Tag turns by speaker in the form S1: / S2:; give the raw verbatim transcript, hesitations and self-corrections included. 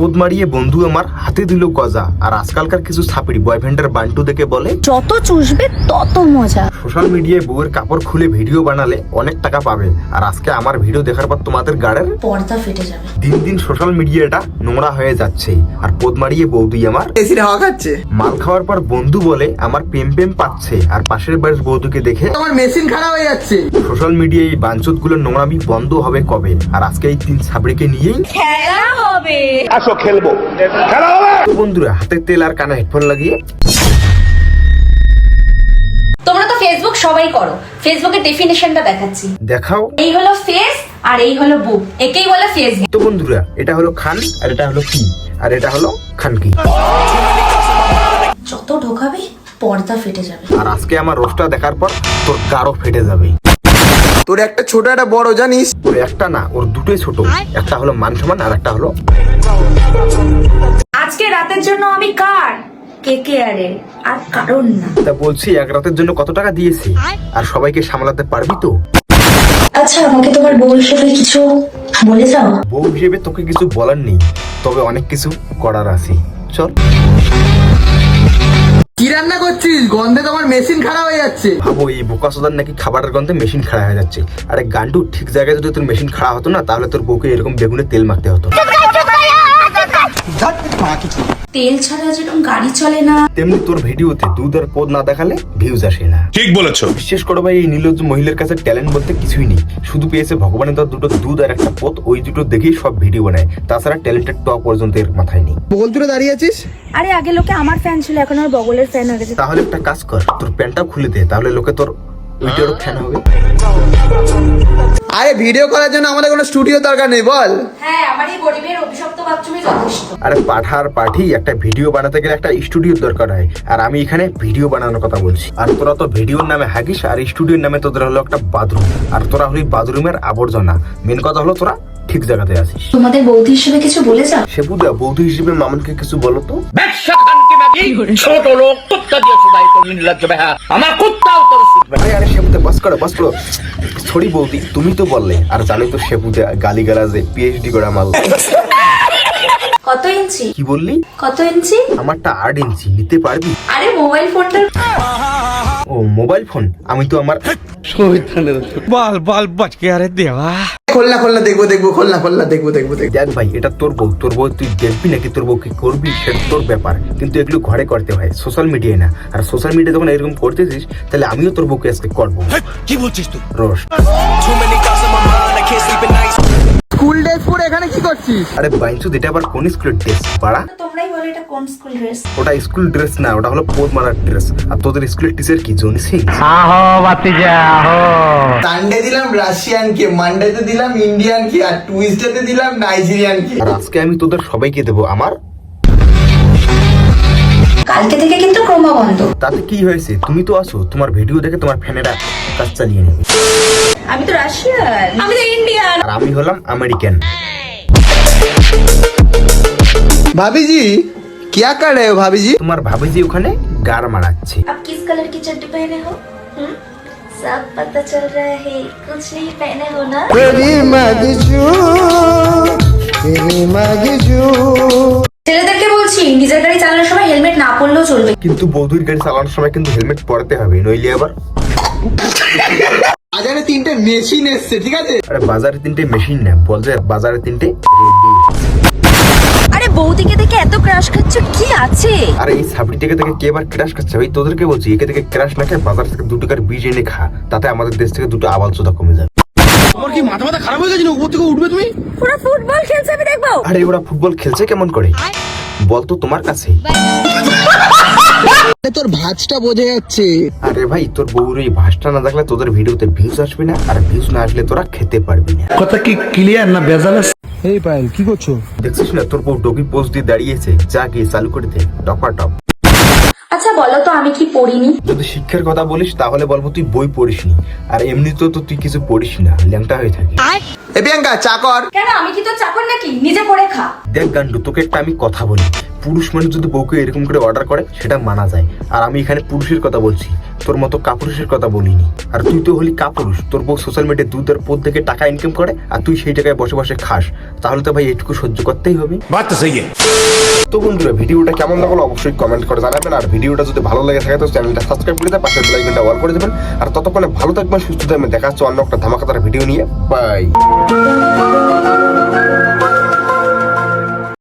S1: পোদ মারিয়ে বন্ধু আমার হাতে দিল গজা। আর আজকালকার কিছু ছাপড়ি বয়ফ্রেন্ডের বান্টু দেখে বলে
S2: যত চুষবে তত মজা।
S1: সোশ্যাল মিডিয়ায় বউয়ের কাপড় খুলে ভিডিও বানালে অনেক টাকা পাবে। আর আজকে আমার ভিডিও দেখার পর তোমাদের গাড়ের
S2: পর্দা ফেটে যাবে।
S1: দিন দিন সোশ্যাল মিডিয়াটা নোংরা হয়ে যাচ্ছে। আর পোদ মারিয়ে বৌদি আমার
S3: এসির হাওয়া খাচ্ছে।
S1: মাল খাওয়ার পর বন্ধু বলে আমার প্রেম প্রেম পাচ্ছে। আর পাশের বাড়ির বৌদিকে দেখে
S3: আমার মেশিন খারাপ হয়ে যাচ্ছে।
S1: সোশ্যাল মিডিয়ায় এই বাঞ্চুত গুলো নোংরামি বন্ধ হবে কবে? আর আজকে এই তিন ছাবড়িকে নিয়েই
S2: খেলা হবে।
S4: আসো খেলবো, খেলা হবে।
S1: তো বন্ধুরা হাতে তেল আর কানে হেডফোন লাগিয়ে
S2: তোমরা তো ফেসবুক সবাই করো, ফেসবুকের ডেফিনেশনটা দেখাচ্ছি।
S1: দেখাও।
S2: এই হলো ফেস আর এই হলো বুক, একেই বলে ফেসবুক।
S1: তো বন্ধুরা এটা হলো খান আর এটা হলো কি আর এটা হলো খানকি।
S2: যত ঢোকাবে পর্দা ফেটে যাবে।
S1: আর আজকে আমার রোস্টটা দেখার পর তোর গাঢ় ফেটে যাবে।
S3: তোর একটা ছোট একটা বড় জানিস।
S1: ওর একটা না, ওর দুটোই ছোট। একটা হলো মান সমান আর একটা হলো
S2: আজকে রাতের জন্য আমি কার কে কে আরে আর কারণ না।
S1: তা বলছি এক রাতের জন্য কত টাকা দিয়েছি আর সবাইকে সামলাতে পারবি তো?
S2: আচ্ছা আমাকে তোমার বউ হিসেবে কিছু বলে যাও।
S1: বউ হিসেবে তোকে কিছু বলার নেই, তবে অনেক কিছু করার আছে। চল।
S3: কি রান্না করছিস? গন্ধে তোমার মেশিন খারাপ হয়ে যাচ্ছে।
S1: ভাবো এই বোকা সোদার নাকি খাবারের গন্ধে মেশিন খারাপ হয়ে যাচ্ছে। আরে গান্ডু, ঠিক জায়গায় যদি তোর মেশিন খারাপ হতো না তাহলে তোর বউকে এরকম বেগুনে তেল মাখতে হতো।
S2: তেল ছাড়া যেরকম গাড়ি চলে না,
S1: তেমনি তোর ভিডিওতে দুধ আর পদ না দেখালে ভিউজ আসে না।
S4: ঠিক বলেছো।
S1: বিশেষ করে ভাই এই নির্লজ্জ মহিলার কাছে ট্যালেন্ট বলতে কিছুই নেই। শুধু পেয়েছে ভগবানের দেওয়া দুটো দুধ আর একটা পদ, ওই দুটো দেখেই সব ভিডিও বানায়। তাছাড়া ট্যালেন্টেড টপ পর্যন্ত এর মাথায় নেই।
S3: বগল তুলে দাঁড়িয়ে আছিস।
S2: আরে আগে লোকে আমার ফ্যান ছিল, এখন আর বগলের ফ্যান হয়ে গেছে।
S1: তাহলে একটা কাজ কর, তোর প্যান্টটা খুলে দে, তাহলে লোকে তোর ওইটারও ফ্যান হবে।
S3: আরে ভিডিও করার জন্য আমাদের কোনো স্টুডিও দরকার নেই, বল।
S2: হ্যাঁ, আমার এই গরিবের অভিশপ্ত বাথরুমে যথেষ্ট।
S1: আরে পাঠার পাঠি একটা ভিডিও বানাতে গেলে একটা স্টুডিওর দরকার হয়। আর আমি এখানে ভিডিও বানানোর কথা বলছি। আর তোরা তো ভিডিওর নামে হাগিস আর স্টুডিওর নামে তোদের হলো একটা বাথরুম। আর তোরা হলি বাথরুমের আবর্জনা। মেন কথা হলো তোরা ঠিক জায়গাতে আছিস।
S2: তোমাদের বৌদি হিসেবে কিছু বলে যাও।
S1: সেপুদা বৌদি হিসেবে মামনকে কিছু বলো তো।
S4: ছোট লোক কুত্তা দিয়ে শুধাই তো নির্লজ্জ বেহা, আমার কুত্তাও তোর শুধবে।
S1: আরে আরে সেপুদা বাস করো বাস করো। সরি বৌদি, তুমি তো বললে। আর জানি তো সেপুদা গালি গালাজে পিএইচডি করা মাল।
S2: কত ইঞ্চি?
S1: কি বললি?
S2: কত ইঞ্চি?
S1: আমারটা আট ইঞ্চি, নিতে পারবি?
S2: আরে মোবাইল ফোনটা।
S1: ও মোবাইল ফোন, আমি তো আমার
S5: बाल बाल बच गया रे देवा।
S3: খোলনা খোলনা দেখবো দেখবো খোলনা খোলনা দেখবো দেখবো দেখবো।
S1: দেখ ভাই, এটা তোর বউ, তোর বউ তুই দেখবি নাকি তোর বউ কি করবি সেটা তোর ব্যাপার। কিন্তু এগুলো ঘরে করতে হয়, সোশ্যাল মিডিয়ায় না। আর সোশ্যাল মিডিয়া যখন এরকম করতেছিস তাহলে আমিও তোর বউকে আজকে করবো।
S5: কি বলছিস তুই?
S1: রোশ।
S3: স্কুল ড্রেস পরে এখানে কি করছিস?
S1: আরে বাইনচুদ, এটা আবার কোন স্কুলের ড্রেস পাড়া?
S2: তোমরাই বলো এটা কোন স্কুল ড্রেস?
S1: ওটা স্কুল ড্রেস না, ওটা হলো পোদ মারার ড্রেস। আর তোদের স্কুলের টিচার কি জনি সিং?
S3: সানডে দিলাম রাশিয়ান কে, মানডেতে দিলাম ইন্ডিয়ান কে, আর টুইসডেতে দিলাম নাইজেরিয়ান কে।
S1: আর আজকে আমি তোদের সবাইকে দেবো আমার।
S2: কালকে থেকে কিন্তু ক্রমা বন্ধ।
S1: তাতে কি হয়েছে? তুমি তো আসো, তোমার ভিডিও দেখে তোমার ফ্যানেরা কাজ চালিয়ে নেবে।
S2: আমি তো রাশিয়ান, আমি তো ইন্ডিয়ান।
S1: আর আমি হলাম আমেরিকান।
S3: भाभी जी क्या कर रहे हो भाभी जी?
S1: তোমার ভাবি যে ওখানে গার মারাচ্ছে।
S2: आप किस कलर की चड्डी पहने हो? हम्म? सब पता चल रहा है, कुछ नहीं पहने हो ना? ছেলেদেরকে বলছি নিজের গাড়ি চালানোর সময় হেলমেট না পরলেও চলবে।
S1: কিন্তু বৌদির গাড়ি চালানোর সময় কিন্তু হেলমেট পরাতে হবে, নইলে আবার।
S3: বাজারে তিনটে মেশিন এসছে, ঠিক আছে?
S1: আরে বাজারে তিনটে মেশিন না, বল যে বাজারে তিনটে।
S2: আরে বৌদিকে দেখে এত ক্রাশ খাচ্ছ, কি আছে?
S1: আরে এই সাবড়ি থেকে থেকে কে এবার ক্রাশ খাচ্ছে? ভাই তোদেরকে বলছি, একে থেকে ক্রাশ না খেয়ে বাজার থেকে দু টাকার বীজ এনে খা, তাতে আমাদের দেশ থেকে দুটো আবাল চোদা কমে যাবে।
S5: তোমার কি মাথা মাথা খারাপ হয়ে গেছে না? উপর থেকে উঠবে তুমি?
S2: পুরো ফুটবল খেলছে, আমি দেখবো।
S1: আরে ওরা ফুটবল খেলছে কেমন করে বলতো তোমার কাছে?
S3: তোর ভাঁজটা বোঝা যাচ্ছে।
S1: আরে ভাই তোর বউর এই ভাষটা না দেখলে তোদের ভিডিওতে ভিউজ আসবে না। আর ভিউজ না আসলে তোরা খেতে পারবি না।
S5: কথা কি ক্লিয়ার না ভেজাল আছে?
S6: এই পায়েল কি করছো?
S1: দেখছিস না তোর বউ ডগি পোজ দিয়ে দাঁড়িয়েছে, যা গিয়ে চালু করে দে টপা টপ।
S2: আচ্ছা বলো তো আমি কি পড়িনি?
S1: যদি শিক্ষার কথা বলিস তাহলে বলবো তুই বই পড়িসনি। আর এমনিতেও তো তুই কিছু পড়িস না, ল্যাংটা হয়ে থাকিস।
S3: এ প্রিয়াঙ্কা চা কর।
S2: কেন, আমি কি তোর চাকর নাকি? নিজে করে খা।
S1: দেখ গান্ডু, তোকে একটা আমি কথা বলি, পুরুষ মানুষ যদি বউকে এরকম করে অর্ডার করে সেটা মানা যায়। আর আমি এখানে পুরুষের কথা বলছি, তোর মতো কাপুরুষের কথা বলিনি। আর তুই তো হলি কাপুরুষ, তোর বউ সোশ্যাল মিডিয়ায় দুধ আর পদ থেকে টাকা ইনকাম করে আর তুই সেই জায়গায় বসে বসে খাস, তাহলে তো ভাই এটুকু সহ্য করতেই হবে।
S4: बात तो सही है।
S1: তো বন্ধুরা ভিডিওটা কেমন লাগলো অবশ্যই কমেন্ট করে জানাবেন। আর ভিডিওটা যদি ভালো লাগে থাকে তো চ্যানেলটা সাবস্ক্রাইব করে দেন, পাশের বেল আইকনটা অল করে দেবেন। আর ততক্ষণে ভালো থাকবেন, সুস্থ থাকবেন, দেখা হচ্ছে অন্য একটা ধামাকাদার ভিডিও নিয়ে। বাই।